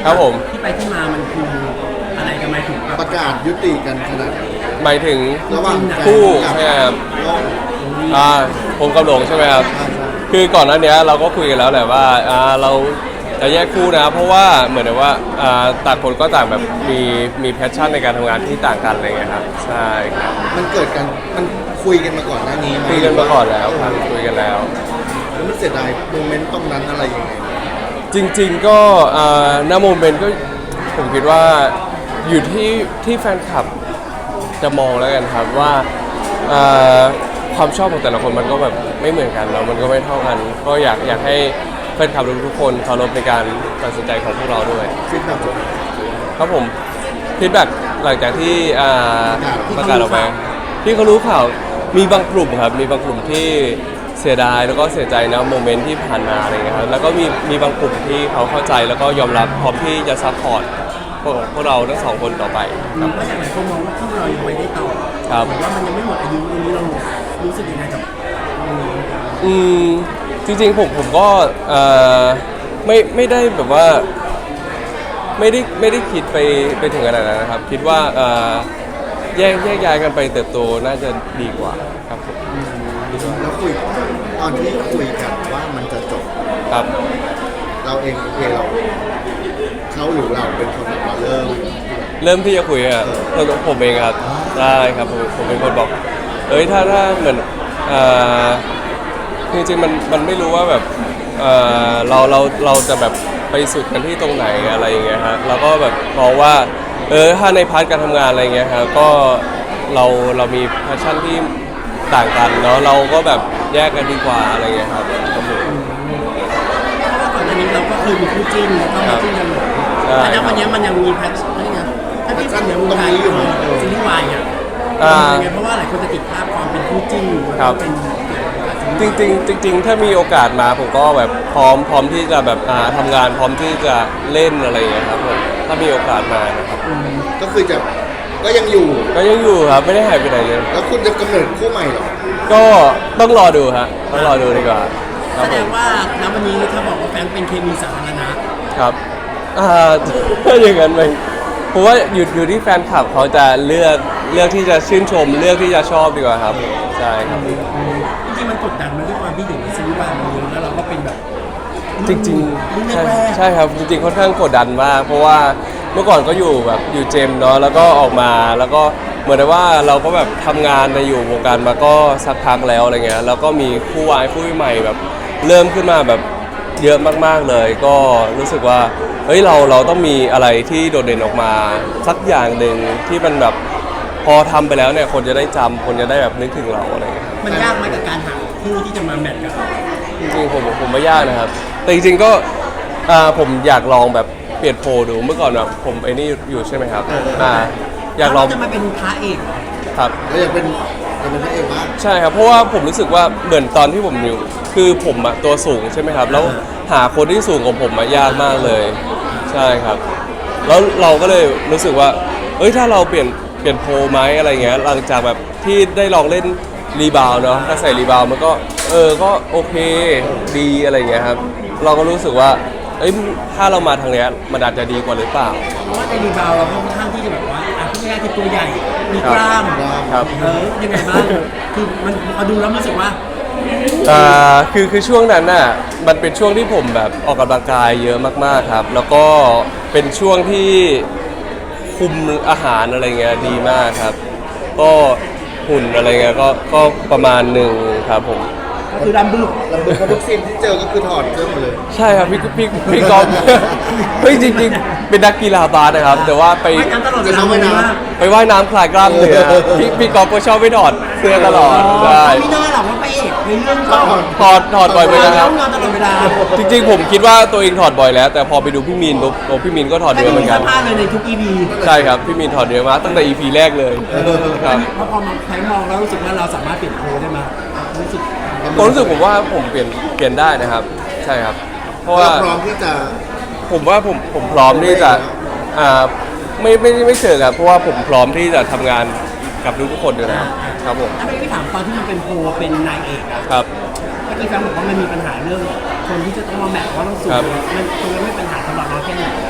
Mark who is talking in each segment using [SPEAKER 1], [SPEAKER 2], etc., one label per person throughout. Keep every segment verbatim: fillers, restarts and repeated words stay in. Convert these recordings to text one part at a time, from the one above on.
[SPEAKER 1] ครับผม
[SPEAKER 2] ที่ไปที่มามันคืออะไรกันไหมถึง
[SPEAKER 3] ประกาศยุติกันขนาดไหน
[SPEAKER 1] หมายถึง
[SPEAKER 3] ระหว่างแฟน
[SPEAKER 1] คู่
[SPEAKER 3] กับ
[SPEAKER 1] ใช่ไหมครับ
[SPEAKER 3] น้อง
[SPEAKER 1] อ่าผมกับหลงใช่ไหมครับ
[SPEAKER 3] ใช่ใช่
[SPEAKER 1] คือก่อนหน้านี้เราก็คุยกันแล้วแหละว่าอ่าเราจะแยกคู่นะเพราะว่าเหมือนกับว่าอ่าต่างคนก็ต่างแบบมีมีแพชชั่นในการทำงานที่ต่างกันอะไรเงี้ยครับใช่ครับ
[SPEAKER 3] มันเกิดกันมันคุยกันมาก่อนหน้านี้ไหม
[SPEAKER 1] คุยกันมาก่อนแล้วครับคุยกันแล้ว
[SPEAKER 3] แล้วมันเสียดายโมเมนต์ตรงนั้นอะไรยังไง
[SPEAKER 1] จริงๆก็อ่าหน้าโมเมนต์ก็ผมคิดว่าอยู่ที่ที่แฟนคลับจะมองแล้วกันครับว่าอ่าความชอบของแต่ละคนมันก็แบบไม่เหมือนกันแล้วมันก็ไม่เท่ากัน ก็อยากอยากให้แฟนคลับทุกๆคนเคารพในการตัดสินใจของพวกเราด้วย
[SPEAKER 3] ฟีดแบ็ก
[SPEAKER 1] ครับผมฟีดแบ็กหลังจากที่อ่า
[SPEAKER 3] ที่
[SPEAKER 1] ประ
[SPEAKER 3] เขา
[SPEAKER 1] กาศออกไปที่เขารู้ข่าวมีบางกลุ่มครับมีบางกลุ่มที่เสียดายแล้วก็เสียใจนะโมเมนต์ที่ผ่านมาอะไรเงี้ยครับแล้วก็มีมีบางกลุ่มที่เขาเข้าใจแล้วก็ยอมรับพร้อมที่จะซัพพอร์ตพวกพวกเราทั้งสองคนต่อไปครับ
[SPEAKER 2] ก็อย่างไรคนมองว่าพวกเรายังไม่ได้ต่อ
[SPEAKER 1] ครับ
[SPEAKER 2] หรือว่ามันยังไม่หมดอายุตรงนี้เรารู้สึกยังไงกับ
[SPEAKER 1] อืมจริงๆผมผมก็เอ่อไม่ไม่ได้แบบว่าไม่ได้ไม่ได้คิดไปไปถึงขนาดนั้นนะครับ คิดว่าเอ่อแยกแยกย้ายกันไปเติบโตน่าจะดีกว่าครับผม
[SPEAKER 3] แล้วคุยตอนที่คุยกันว่ามันจะจบ
[SPEAKER 1] ครับ
[SPEAKER 3] เราเองโอเคเราเขาหรือเราเป็นคนแบบว่าเริ่ม
[SPEAKER 1] เริ่มที่จะคุยอ่ะตัวผมเองครับได้ครับผมผมเป็นคนบอกเอ้ยถ้าถ้าเหมือนเอ่อจริงๆมันมันไม่รู้ว่าแบบเอ่อเราเราเราจะแบบไปสุดกันที่ตรงไหนอะไรอย่างเงี้ยฮะเราก็แบบมองว่าเออถ้าในพาร์ทการทำงานอะไรเงี้ยครับก็เราเรามีแพชชั่นที่ต่างกันเนาะเราก็แบบแยกกันดีกว่าอะไรเงี้ยครับครับผม
[SPEAKER 2] เพราะว่าก่อนหน้านี้เราก็เคยมีคู่จิ้นแล้วก็มาจิ้นกันหมด
[SPEAKER 1] ใช่
[SPEAKER 2] แต่ณวันนี้มันยังมีแพ็คอะไรนะถ้าที่เป็นอย่างวงการซีรีส์วายอ่ะ
[SPEAKER 1] อ่า
[SPEAKER 2] เป็นยังไงเพราะว่าหลายคนจะติดภาพความเป็นคู่จิ้น
[SPEAKER 1] ครับ
[SPEAKER 2] เป็น
[SPEAKER 1] จริงๆจริงๆถ้ามีโอกาสมาผมก็แบบพร้อมพร้อมที่จะแบบอ่าทำงานพร้อมที่จะเล่นอะไรอย่างเงี้ยครับผมถ้ามีโอกาสมานะครับ
[SPEAKER 3] ก็คือจะก็ยังอยู่
[SPEAKER 1] ก็ยังอยู่ครับไม่ได้หายไปไหนเลย
[SPEAKER 3] แล้วคุณจะกำเนิดคู่ใหม่เหรอ
[SPEAKER 1] ก็ต้องรอดูฮะต้องรอดูดีกว่าค
[SPEAKER 2] แส
[SPEAKER 1] รับ
[SPEAKER 2] ด
[SPEAKER 1] ผ
[SPEAKER 2] ง
[SPEAKER 1] ม
[SPEAKER 2] ว่าณวันนี้ถ้าบอกว่าแฟนเป็นเคมีสาธารณะ
[SPEAKER 1] ครับอ่า ถ้าอย่างนั้นไหมผมว่าอยู่อยู่ที่แฟนคลับเขาจะเลือกเลือกที่จะชื่นชม เลือกที่จะชอบดีกว่าครับใช่ครับ
[SPEAKER 2] จริงๆมันกดดันมาด้วยความที่อยู่ในซีรีส์วายมันเยอะแล้วเราก็เป็นแบบ
[SPEAKER 1] จริง
[SPEAKER 2] รุ่น
[SPEAKER 1] ๆใช่
[SPEAKER 2] แรกๆ
[SPEAKER 1] ใช่ครับจริงๆค่อนข้างกดดันมากเพราะว่าเมื่อก่อนก็อยู่แบบอยู่เจมส์เนาะแล้วก็ออกมาแล้วก็เหมือนว่าเราก็แบบทำงานในอยู่วงการมาก็สักพักแล้วอะไรเงี้ยแล้วก็มีคู่วายคู่ใหม่แบบเริ่มขึ้นมาแบบเยอะมากๆเลย ก็รู้สึกว่าเฮ้ยเราเราต้องมีอะไรที่โดดเด่นออกมาสักอย่างหนึ่งที่มันแบบพอทำไปแล้วเนี่ยคนจะได้จำคนจะได้แบบนึกถึงเราอะไรเงี้ย
[SPEAKER 2] มันยากไหมกับการหาคู่ที่จะมาแมทกัน
[SPEAKER 1] จริงๆผมผมไม่ยากนะครับ แต่จริงๆก็อ่าผมอยากลองแบบเปลี่ยนโพลดูเมื่อก่อนแบบผมไอ้นี่อยู่ใช่ไหมครับอ่าอยากลอง
[SPEAKER 2] จะมาเป็นพระเอกเหรอ
[SPEAKER 1] ครับ
[SPEAKER 3] แล้วอยากเป็นอยากเป็นพระเอกบ้าง
[SPEAKER 1] ใช่ครับเพราะว่าผมรู้สึกว่าเหมือนตอนที่ผมอยู่คือผมอะตัวสูงใช่ไหมครับแล้วหาคนที่สูงกว่าผมอะยากมากเลยใช่ครับแล้วเราก็เลยรู้สึกว่าเอ้ยถ้าเราเปลี่ยนเปลี่ยนโพลไหมอะไรเงี้ยหลังจากแบบที่ได้ลองเล่นรีบาวด์เนาะถ้าใส่รีบาวด์มันก็เออก็โอเคดีอะไรเงี้ยครับเราก็รู้สึกว่าเอ้ยถ้าเรามาทางเนี้ยมันอาจจะดีกว่าหรือเปล่า
[SPEAKER 2] เพราะว่าในรีบาวเราค่อนข้างที่จะแบบว่าอ่ะพูดง่ายๆคือตัวใหญ่มีกล้าม
[SPEAKER 1] ครับ
[SPEAKER 2] เออยังไงบ้างคือมันพอดูแล้วมันรู้สึกว่า
[SPEAKER 1] อ่าคือคือช่วงนั้นน่ะมันเป็นช่วงที่ผมแบบออกกำลังกายเยอะมากๆครับ แล้วก็เป็นช่วงที่คุมอาหารอะไรเงี้ยดีมากครับ ก็หุ่นอะไรเงี้ยก็ก็ประมาณหนึ่งครับผม
[SPEAKER 2] ก็คือดำบึก
[SPEAKER 3] ลำบึกเพราะทุกซีนที่เจอก็คือถอดเสื้อหมดเลย
[SPEAKER 1] ใช่ครับพี่พี่พี่กอล์ฟ เฮ้ยจริงๆ เป็นนักกีฬาบาสนะครับ แต่ว่าไป
[SPEAKER 2] ไม่น้ำตลอดเวลา
[SPEAKER 3] จะเข้าไป
[SPEAKER 2] เลย
[SPEAKER 3] น้ำ
[SPEAKER 2] ว่า
[SPEAKER 1] ไปว่ายน้ำคลายกล้ามเนื้อพี่พี่กอล์ฟก็ชอบไปถอดเสื้อตลอดใช่
[SPEAKER 2] ไม่น่าหรอกว่าพระเอกในเรื่องก็
[SPEAKER 1] ถอดถอดบ่อยไปนะครับ
[SPEAKER 2] ทำงานตลอดเวลา
[SPEAKER 1] จริงๆผมคิดว่าตัวเองถอดบ่อยแล้ว แต่พอไปดูพี่มีนปุ๊บโอ้พี่มีนก็ถอด
[SPEAKER 2] ไม่
[SPEAKER 1] เยอะเหมื
[SPEAKER 2] มี
[SPEAKER 1] อนกั
[SPEAKER 2] เสื้
[SPEAKER 1] น
[SPEAKER 2] อผ้าเลยในทุก อี พี
[SPEAKER 1] ใช่ครับพี่มีนถอดเยอะมากตั้งแต่ อี พี แรกเลยครับ
[SPEAKER 2] เพราะพอมาแพงมองแล้วรู้สึกว่าเราสามารถเปลี่ยนโค้ดได้มารู้สึก
[SPEAKER 1] ผมรู้สึกผมว่าผมเปลี่ยนเปลี่ยนได้นะครับ ใช่ครับ เพราะว่า
[SPEAKER 3] เราพร้อมที่จะ
[SPEAKER 1] ผมว่าผมผมพร้อมที่จะอ่าไม่ไม่ไม่เชิงครับเพราะว่าผมพร้อมที่จะทำงานกับทุกๆคนอยู่แล้วครับผม
[SPEAKER 2] ถ้าไม่พี่ถามตอนที่มันเป็นโพลเป็นนายเอกอะ
[SPEAKER 1] ครับ
[SPEAKER 2] เมื่อกี้แฟนบอกว่ามันมีปัญหาเรื่องคนที่จะต้องมาแมทว่าต้องสูง
[SPEAKER 1] ครับ
[SPEAKER 2] มันตรงนั้นไม่เป็นปัญหาสำหรับเราแค่ไหน
[SPEAKER 1] อ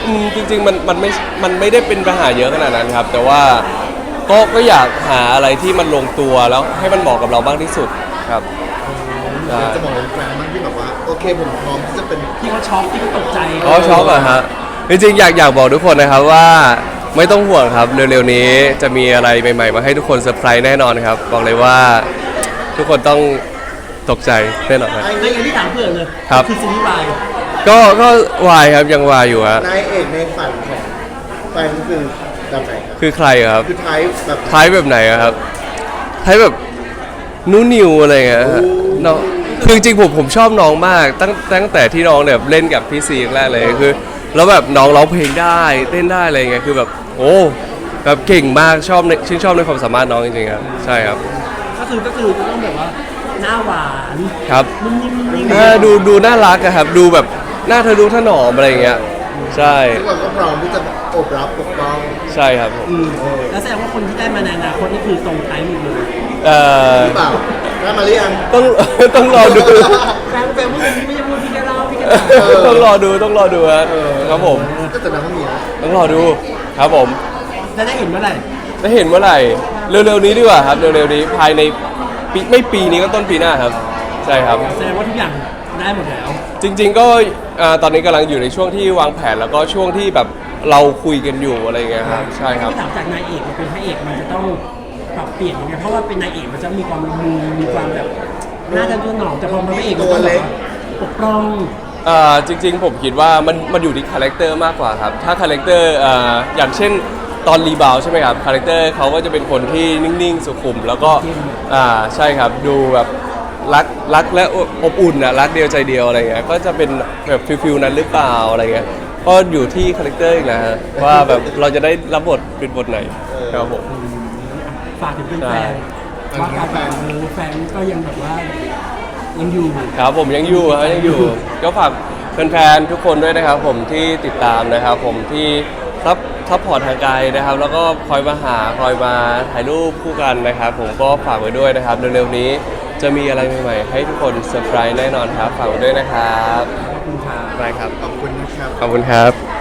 [SPEAKER 1] อืมจริงๆมันมันไม่มันไม่ได้เป็นปัญหาเยอะขนาดนั้นครับ แต่ว่าก็ก็อยากหาอะไรที่มันลงตัวแล้วให้มันเหมาะกับเรามากที่สุดครับใช่
[SPEAKER 3] จะบอกเป็นแฟนมากที่แบบว่าโอเคผมพร้อมที่จะเป็น
[SPEAKER 2] ที่เขาช็อกที่เขาตกใจ
[SPEAKER 1] อ๋อช็อกเหรอฮะจริงๆอยากอยากบอกทุกคนนะครับว่าไม่ต้องห่วงครับเร็วๆนี้จะมีอะไรใหม่ๆมาให้ทุกคนเซอร์ไพรส์แน่นอนครับบอกเลยว่าทุกคนต้องตกใจแน่นอนครับ
[SPEAKER 3] ไอ้
[SPEAKER 2] ใน
[SPEAKER 3] นี่
[SPEAKER 2] อย่างที่ถามเพื่อนเลย
[SPEAKER 1] ครับ
[SPEAKER 2] คือซีรีส์วาย
[SPEAKER 1] ก็ก็วายครับยังวายอยู่ฮะ
[SPEAKER 3] นายเอกในฝันของแฟนคือแบบไหนครับ
[SPEAKER 1] คือใครครับ
[SPEAKER 3] คือไทยแบบ
[SPEAKER 1] ไทยแบบไหนอะครับไทยแบบนูนิวอะไรเงี้ยฮะน้องคือจริงๆผมผมชอบน้องมากตั้งตั้งแต่ที่น้องแบบเล่นกับพี่ซีแรกเลยคือแล้วแบบน้องร้องเพลงได้เต้นได้อะไรเงี้ยคือแบบโอ้แบบเก่งมากชอบในชื่นชอบในความสามารถน้องจริงๆครับใช่ครับ
[SPEAKER 2] ก็คือก็คือต้องแบบว่าหน้าหวาน
[SPEAKER 1] ครับ
[SPEAKER 2] นุ่มนิ่มนุ่มนิ่ม
[SPEAKER 1] เออดูดูน่ารักอะครับดูแบบหน้าเธอดูถนอมอะไรเงี้ยใช่
[SPEAKER 3] ทุกคนก็พร้อมที่จะโอบรับปกป้อง
[SPEAKER 1] ใช่ครับผม
[SPEAKER 2] อืมแล้วแสดงว่าคนที่ได้มาในอนาคตนี่คือตรงไทยหมดเลย
[SPEAKER 1] เอ่อ
[SPEAKER 3] หรือเปล่าได้มาหรือยัง
[SPEAKER 1] ต้อง ต้องรอดู
[SPEAKER 2] แฟนแฟนพูดอย่างนี้ไม่ใช่พูดพี่แกเล่าพี่แก
[SPEAKER 3] เออ
[SPEAKER 1] ต้องรอดูต้องรอดูฮะครับผม
[SPEAKER 3] ก็แต่น้ำมีนะ
[SPEAKER 1] ต้องรอดูครับผม
[SPEAKER 2] จะได้เห็นเมื่อไหร่
[SPEAKER 1] จะเห็นเมื่อไหร่เร็วๆนี้ดีกว่าครับเร็วๆนี้ภายในปีไม่ปีนี้ก็ต้นปีหน้าครับใช่ครับ
[SPEAKER 2] แสดงว่าทุกอย่างได้หมดแล้ว
[SPEAKER 1] จริงๆก็อ่าตอนนี้กำลังอยู่ในช่วงที่วางแผนแล้วก็ช่วงที่แบบเราคุยกันอยู่อะไรอย่างเงี้ยครับใช่ครับ
[SPEAKER 2] ที่ถามจากนายเอกมาเป็นพระเอกมันจะต้องปรับเปลี่ยนยังไงเพราะว่าเป็นนายเอกมันจะมีความละมุนมีความแบบน่าจะตัวหนอมแต่พอมาพระเอกมันต้องแบบว่าปกป้อง
[SPEAKER 1] อ่าจริงๆผมคิดว่ามันมันอยู่ที่คาแรคเตอร์มากกว่าครับถ้าคาแรคเตอร์อ่าอย่างเช่นตอนรีบาวใช่ไหมครับคาแรคเตอร์เขาก็จะเป็นคนที่นิ่งๆสุขุม แล้วก็อ่าใช่ครับดูแบบรักรักและอบอุ่นนะรักเดียวใจเดียวอะไรเงี้ยก็จะเป็นแบบฟิลๆนั้นหรือเปล่าอะไรเงี้ยก็อยู่ที่คาแรคเตอร์อีกนะฮะว่าแบบเราจะได้รับบทเป็นบทไหนครับผม
[SPEAKER 2] ฝากถึงเป็นแฟนว่าการแฟนเออแฟนก็ยังแบบว่ายังอยู่
[SPEAKER 1] ครับผมยังอยู่ครับยังอยู่ ก็ฝากแฟนๆทุกคนด้วยนะครับผมที่ติดตามนะครับผมที่ซับซัพพอร์ตทางไกลนะครับ แล้วก็คอยมาหาคอยมาถ่ายรูปคู่กันนะครับ ผมก็ฝากไว้ด้วยนะครับเร็วๆนี้จะมีอะไรใหม่ๆให้ทุกคนเซอร์ไพรส์แน่นอนครับฝากไว้ด้วยนะครับ
[SPEAKER 2] ขอบคุณค่ะ
[SPEAKER 1] ได้ครับ
[SPEAKER 3] ขอบคุณนะครับ
[SPEAKER 1] ขอบคุณครับ